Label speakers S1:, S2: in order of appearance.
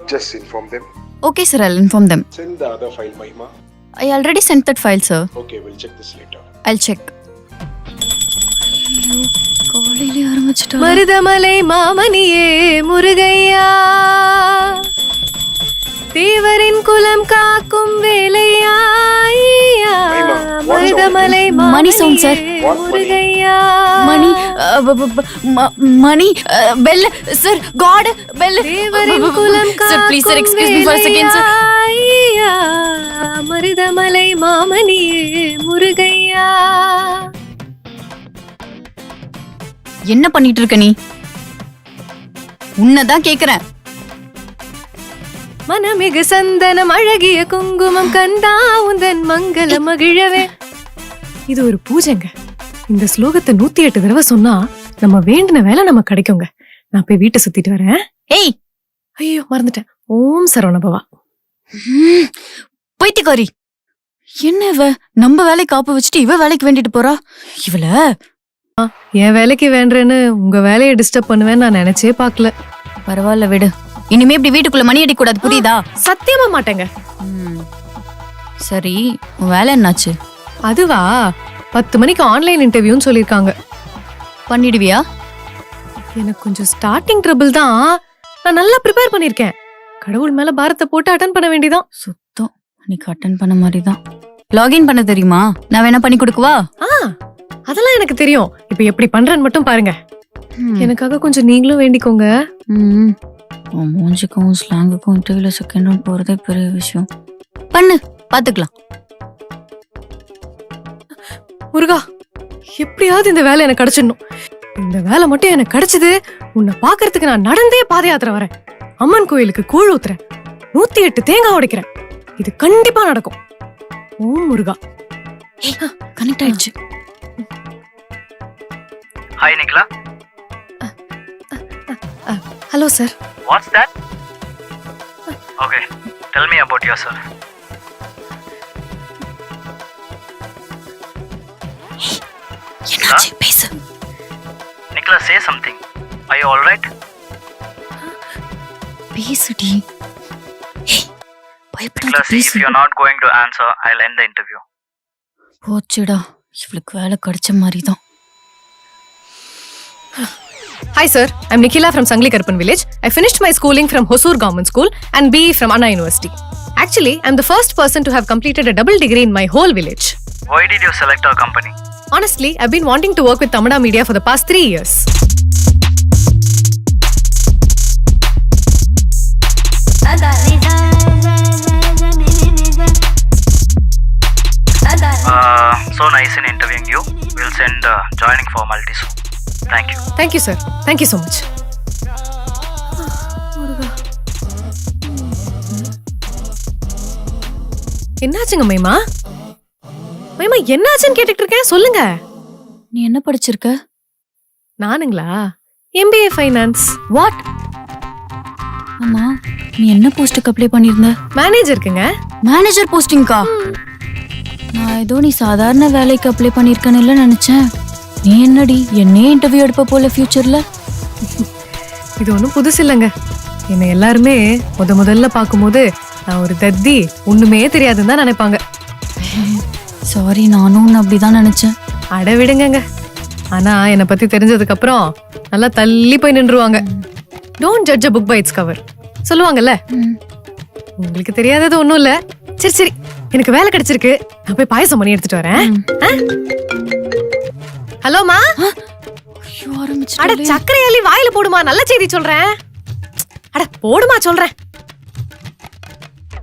S1: Just inform them.
S2: Okay, sir, I'll inform them.
S1: Send the other file, Mahima.
S2: I already sent that file, sir.
S1: Okay, we'll check this later.
S2: I'll check. காலையிலே ஆரம்பிச்சிட்டா.
S3: மருதமலை மாமணியே முருகையா, தேவரின் குலம் காக்கும் வேலையா, மருதமலை
S2: மணி sound, sir.
S3: முருகையா.
S2: மணி மணி bell, sir. God bell.
S3: தேவரின் குலம்
S2: Sir, please, sir,
S3: காக்கும்
S2: excuse me for a second, sir.
S3: வேலையா, மருதமலை மாமணியே முருகையா.
S2: என்ன பண்ணிட்டு இருக்க நீ? உன்னதான் கேக்குறேன்.
S3: மனமிகு சந்தனம் அழகிய குங்குமம் கந்தா உந்தன் மங்கள மகிழவே. இது ஒரு பூஜைங்க. இந்த ஸ்லோகத்தை 108 தடவை சொன்னா நம்ம வேண்டின வேலை நம்ம கிடைக்குங்க. நான் போய் வீட்டை சுத்திட்டு வரேன்.
S2: ஏய்,
S3: ஐயோ மறந்துட்டேன். ஓம் சரவணபவா.
S2: பைத்தியக்காரி. என்ன இவ நம்ம வேலைக்கு காப்பு வச்சுட்டு இவ வேலைக்கு வேண்டிட்டு போறா? இவள
S3: என் வேலைக்கு வேண்டேன்னு உங்க வேலையை டிஸ்டர்ப் பண்ணுவேன்னு நான் நினைச்சே பாக்கல.
S2: பரவாயில்ல விடு. இனிமே இப்படி வீட்டுக்குள்ள மணி அடிக்க கூடாது, புரியுதா?
S3: சத்தியமா மாட்டேங்க.
S2: சரி, உன் வேலை என்னாச்சு?
S3: அதுவா, 10 மணிக்கு ஆன்லைன் இன்டர்வியூன்னு சொல்லிருக்காங்க.
S2: பண்ணிடுவியா?
S3: எனக்கு கொஞ்சம் ஸ்டார்டிங் ட்ரபிள் தான். நான் நல்லா ப்ரிப்பேர் பண்ணிருக்கேன். கடவுள் மேல பாரத்தை போட்டு அட்டன் பண்ண வேண்டியதான்.
S2: சுத்தம் அன்னைக்கு அட்டன் பண்ண மாதிரிதான். லாகின் பண்ண தெரியுமா? நான் வேணா பண்ணி கொடுக்கவா?
S3: அதெல்லாம் எனக்கு தெரியும். இப்ப எப்படி பண்றேன்னு மட்டும் பாருங்க. எனக்காக கொஞ்சம் நீங்களும் வேண்டிக்கோங்க.
S2: உன் மூஞ்சிக்கும் ஸ்லாங்குக்கும் இன்டர்வியூல செகண்ட் ரவுண்ட் போறதே பெரிய விஷயம். பண்ணு, பாத்துக்கலாம்.
S3: முருகா, எப்படியாவது இந்த வேலை எனக்கு கிடைச்சிடணும். இந்த வேலை மட்டும் எனக்கு கிடைச்சது, உன்னை பாக்குறதுக்கு நான் நடந்தே பாத யாத்திரை வரேன். அம்மன் கோயிலுக்கு கூழ் ஊத்துறேன், 108 தேங்காய் உடைக்கிறேன். இது கண்டிப்பா நடக்கும். ஓம் முருகா.
S2: கனெக்ட் ஆயிடுச்சு.
S4: Hi, Nicola.
S3: Hello, sir.
S4: What's that? Okay, tell me about yourself.
S2: என்னாச்சு? பேசு.
S4: Nicola, say something. Are you alright?
S2: பேசுடி. பயப்படாத,
S4: Nicola, see, if
S2: பேசு.
S4: you're not going to answer, I'll end the interview.
S2: போச்சுடா, இவளுக்கு வேலை கிடைச்ச மாதிரிதான்.
S3: Hi, sir. I'm Nikhila from Sangli Karpan village. I finished my schooling from Hosur Government School and BE from Anna University. Actually, I'm the first person to have completed a double degree in my whole village.
S4: Why did you select our company?
S3: Honestly, I've been wanting to work with Tamada Media for the past 3 years.
S4: So nice in interviewing you. We'll send joining formalities soon. Thank you.
S3: Thank you, sir. Thank you so much. என்னாச்சுங்க மைமா? மைமா என்னாச்சுன்னு கேட்டுட்டு இருக்கேன், சொல்லுங்க.
S2: நீ என்ன படிச்சிருக்க?
S3: நானுங்களா? MBA Finance.
S2: What? ஆமா, நீ என்ன போஸ்டுக்கு அப்ளை பண்ணிருந்த?
S3: மேனேஜருக்குங்க.
S2: மேனேஜர் போஸ்டிங்கா? நான் ஏதோ நீ சாதாரண வேலைக்கு அப்ளை பண்ணிருக்கேன்னு நினைச்சேன். நீ என்னடி என்னே இன்டர்வியூ எடுப்ப போல ஃபியூச்சர்ல?
S3: இது ஒன்றும் புதுசு இல்லைங்க. என்னை எல்லாருமே முதல்ல பார்க்கும்போது நான் ஒரு தத்தி, ஒண்ணுமே தெரியாதுன்னு தான் நினைப்பாங்க.
S2: சாரி, நானும் உன்னை அப்படிதான் நினைச்சேன்.
S3: அட விடுங்கங்க. ஆனா என்னை பத்தி தெரிஞ்சதுக்கு அப்புறம் நல்லா தள்ளி போய் நின்றுவாங்க. Don't judge a book by its cover சொல்லுவாங்கல்ல. உங்களுக்கு தெரியாதது ஒண்ணும் இல்ல. சரி சரி, எனக்கு வேலை கிடைச்சிருக்கு. நான் போய் பாயசம் பண்ணி எடுத்துட்டு வரேன். ஹலோமா. அட சக்கரை அள்ளி வாயில போடுமா, நல்ல செய்தி சொல்றேன். அட போடுமா சொல்றேன்.